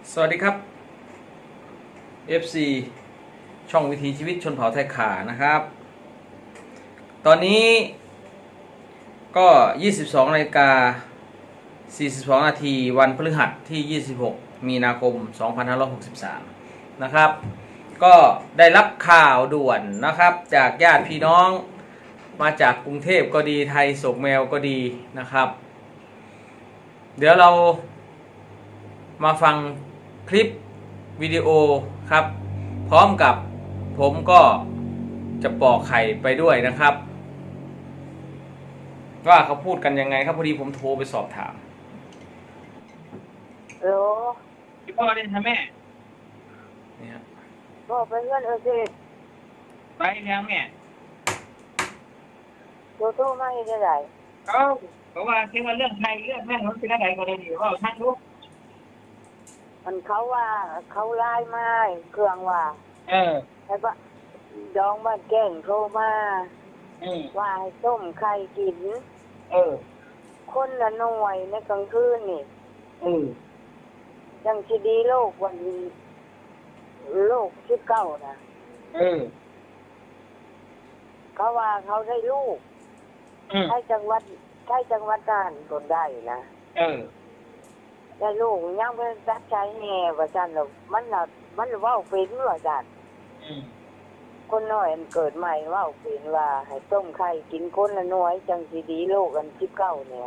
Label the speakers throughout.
Speaker 1: สวัสดีครับ FC ช่องวิถีชีวิตชนเผ่าไทยขานะครับ ตอนนี้ก็ 22:42 นาทีวันพฤหัสที่ 26 มีนาคม 2563 นะครับ ก็ได้รับข่าวด่วนนะครับจากญาติพี่น้องมาจากกรุงเทพก็ดีไทยโศกแมวก็ดีนะครับ เดี๋ยวเรามาฟังคลิปวิดีโอครับ พร้อมกับผมก็จะปอกไข่ไปด้วยนะครับ ว่าเขาพูดกันยังไงครับพอดีผมโทรไปสอบถาม
Speaker 2: โหล
Speaker 3: พี่พ่อเล่นทำแม่
Speaker 1: นี่ครับ
Speaker 2: บอกไปเพื่อนสิ
Speaker 3: ไปแล้วแม่
Speaker 2: โทรโทรมาอีกได้
Speaker 3: เขาบอกว่าคิดว่าเรื่องไทยเรื่องแม่มันเป็นอะไรก็เลยดีว่าท่านรู้
Speaker 2: มันเขาว่าเขาไล่มาเครื่องว่า แล้วก็ดองบ้านแก่งโทรมาว่าให้ต้มไข่กิน คนละหน่วยในกลางคืนนี่ยังชีดีโลกวันนี้โลก19นะเขาว่าเขาได้ลูกใช่จังหวัดน่านคนได้นะได้ลูกยังเป็นตัดใจแห่ว่าจันหรอกมันเว่าเป็นว่าจันคนน้อยมันเกิดใหม่เว่าเป็นว่าให้ต้มไข่กินคนละหน่วยจังสีดีโลกกัน19เนี่ย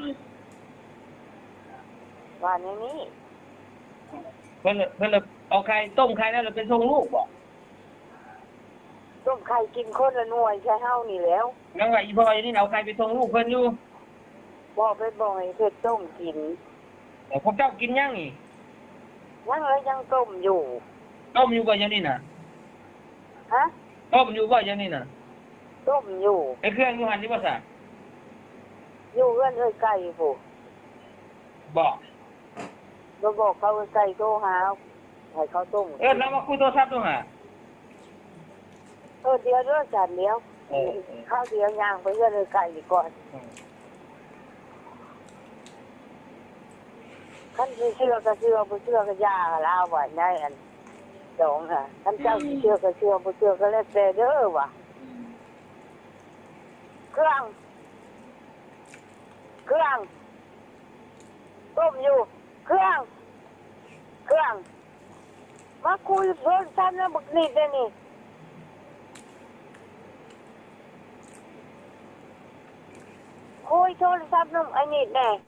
Speaker 2: ว่าในนี้
Speaker 3: เพื่อนเอาไข่ต้มไข่แล้วเราเป็นทรงลูกบ่
Speaker 2: ต้มไข่กินคนละหน่วยใช่เฮานี่แล้ว
Speaker 3: งั้นว่าอีพ่ออย่างนี้เอาไข่ไปทรงลูกเพื่อนอยู่
Speaker 2: บอกไปบอกให้เพิ่นต้มกิน
Speaker 3: แต่พวกเจ้ากินยังนี่
Speaker 2: ยังเลยยังต้มอยู่
Speaker 3: ต้มอยู่บ่อย่างนี้น่ะ
Speaker 2: ฮะ
Speaker 3: ต้มอยู่บ่อย่างนี้น่ะ
Speaker 2: ต้มอยู่
Speaker 3: ไอ้เครื่องอยู่หันนี่บ่ซะ
Speaker 2: อยู่เพื่อนไก่ผู้
Speaker 3: บอก
Speaker 2: เราบอกเขาไก่โทรหาให้เขาต้ม
Speaker 3: แล้วมาคุยโทรศัพท์ด้วยฮะ
Speaker 2: เดี๋ยวเรื่องจานเดียวข้าวเดียวย่างไปเพื่อนไก่ดีก่อนขั้นที่เชื่อก็เชื่อบ่เชื่อก็ย่าลาวไว้ในอันสองค่ะขั้นเจ้าสิเชื่อก็เชื่อบ่เชื่อก็แล้วแต่เด้อว่ะเครื่องต้มอยู่เครื่องมาคุยโทรศัพท์นะบักนิดเลยนี่คุยโทรศัพท์น้ำไอ้นิดแน่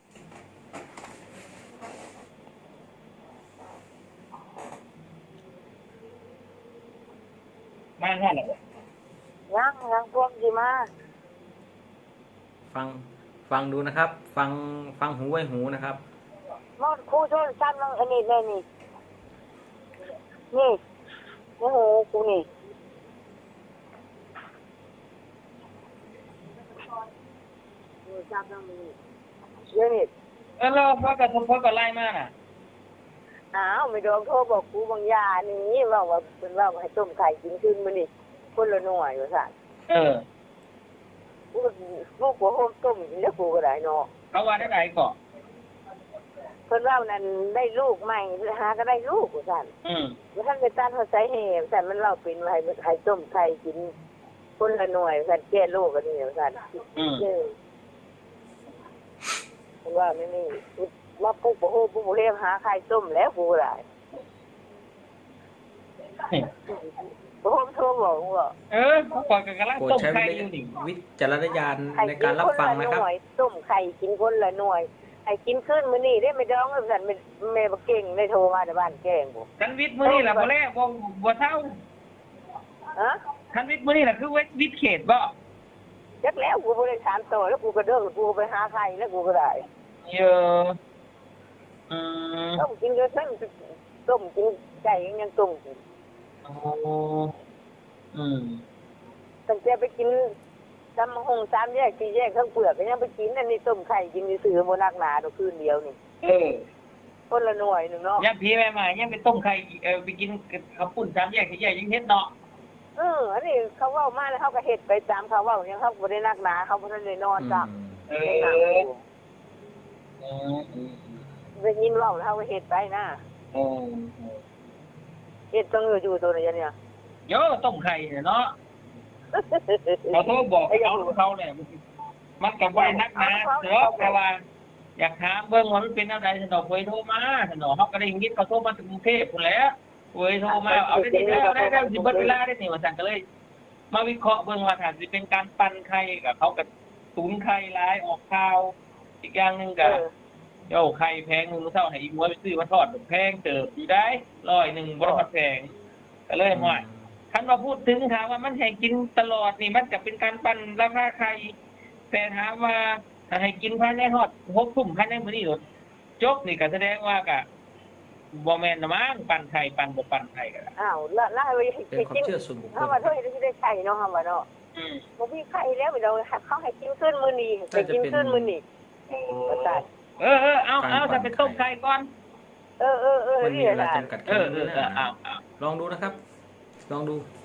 Speaker 3: มาแค่ไหนบ่
Speaker 2: ยังพวกสิมา
Speaker 1: ฟังดูนะครับ ฟังหูไว้หูนะครับ
Speaker 2: มอดคุยโทรศัพท์น้ำไอ้นิดแน่นี่ในหูกูนี่โทรศัพท์น้ำมันนี่เดี๋ยวนี้
Speaker 3: แล้วพ่อก็ไล่มาน่ะ
Speaker 2: ไม่โดนโทรบอกกูบางยานี่ว่าเป็นว่าให้ต้มไข่กินขึ้นมานี่คนละหน่วยว่าสั่นกูลูกหัวโฮมต้มกินแล้วกูก็ได้เนาะ
Speaker 3: เขาว่าได้ไหนก่อน
Speaker 2: เพิ่นว่านั่นได้ลูกใหม่หาก็ได้ลูกว่าสั่นว่าท่านไปต้านเขาใส่แห่แต่มันเล่าเป็นว่าให้ต้มไข่กินคนละหน่วยว่าสั่นแก้โรคกันนี่ว่าสั่นเพิ่นว่าไม่มีว่าปุ๊บโอ้โหปุ๊บเรียกหาไข่ต้มแล้วกูก็ได้โอ้โหโทรบอกว่า
Speaker 3: เขาปล่อยกันกำลัง
Speaker 1: โปรด
Speaker 3: ต้ม
Speaker 1: ใช้
Speaker 3: ไข่อยู่นี่
Speaker 1: วิจารณญาณในการรับฟังนะครับ
Speaker 2: ต้มไข่กินคนละหน่วยไอ้กินขึ้นมื้อนี้ได้ไม่ดองแล้วสั่นแม่บ่เก่งได้โทรมาแต่บ้านแกงบ่
Speaker 3: คันวิทย์มื้อนี่ล่ะบ่แลบ่เท่า
Speaker 2: ฮะ
Speaker 3: คันวิทย์มื้อนี่ล่ะคือวิทย์เขตบ่
Speaker 2: จักแล้วกูบ่ได้ถามต่อแล้วกูก็เด้อกูไปหาไข่แล้วกูก็ได้
Speaker 3: เยอะ
Speaker 2: ต้มกินก็ทั้งต้มกินไก่ยังต้มกิน ตั้งแต่ไปกินตำหงสามแยกสี่แยกทั้งเปลือกก็ยังไปกินอันนี้ต้มไข่กินซื้อบ่นักหนาดอกคืนเดียวนี่คนละหน่วยนึงเนาะ
Speaker 3: ยังพี่แม่มายังไปต้มไข่ไปกินข้าวปุ้น3 แยก4 แยกยังเฮ็ดเนาะ
Speaker 2: อันนี้เขาเว้ามาแล้วเขาก็เฮ็ดไปตามเขาเว้ายังเขาบ่ได้นักหนาเขาบ่ได้นอนจ้ะได้ยินเว้าแล้วเขาก็เฮ็ดไปนะ
Speaker 3: โอ้
Speaker 2: เฮ็ดต้องอยู่ตัวนี้เนี่ย
Speaker 3: เยอะต้มไข่เนี่ยเนาะเขาโทรบอกเขาเนี่ยมันกับไว้นักนะเด้อแต่ว่าอยากถามเบิ่งว่ามันเป็นอะไรสนอเคยโทรมาสนอเขาก็ได้ยินเขาโทรมาถึงกรุงเทพพุ่นแหล้วเคยโทรมาเอาได้สิเบิดเวลาได้นี่ว่าซั่นก็เลย มาวิเคราะห์เบิ่งว่าถ้าสิเป็นการปั่นไข่กับเขาก็ตุนไข่หลายออกข่าวอีกอย่างนึงก็เจ้าไข่แพงนึงมื้อเช้าให้อีหมวยไปซื้อมาทอดแพงเติบอยู่ได้100บ่ทันแพงก็เลยว่าคันว่าพูดถึงถามว่ามันให้กินตลอดนี่มันก็เป็นการปั่นราคาไข่แต่ถามว่าถ้าให้กินภายในฮอด6 ทุ่มภายในมื้อนี้โดดจบนี่ก็แสดงว่าก็บ่แม่นนะมั้งปั่นไข่ปั่นบ่ปั่นไข่ก็
Speaker 2: อ้าวล่าไป
Speaker 1: เป็นความเชื่อส่วนบุคคล
Speaker 2: เฮาว่าเท่าที่ได้ไข่เนาะเฮาว่าเนาะบ่มีไข่แล้วเราเขาให้กินขึ้นมื้อนี้ให้กินขึ้นมื้อนี้บ่ได้
Speaker 3: เอาถ้าเป็นต้มไข่ก่อน
Speaker 2: เออ
Speaker 1: มันมี
Speaker 2: นี่
Speaker 1: เวลา
Speaker 2: ล่ะ
Speaker 1: จำกัดแค่นี้นะลองดูนะครับ ลองดู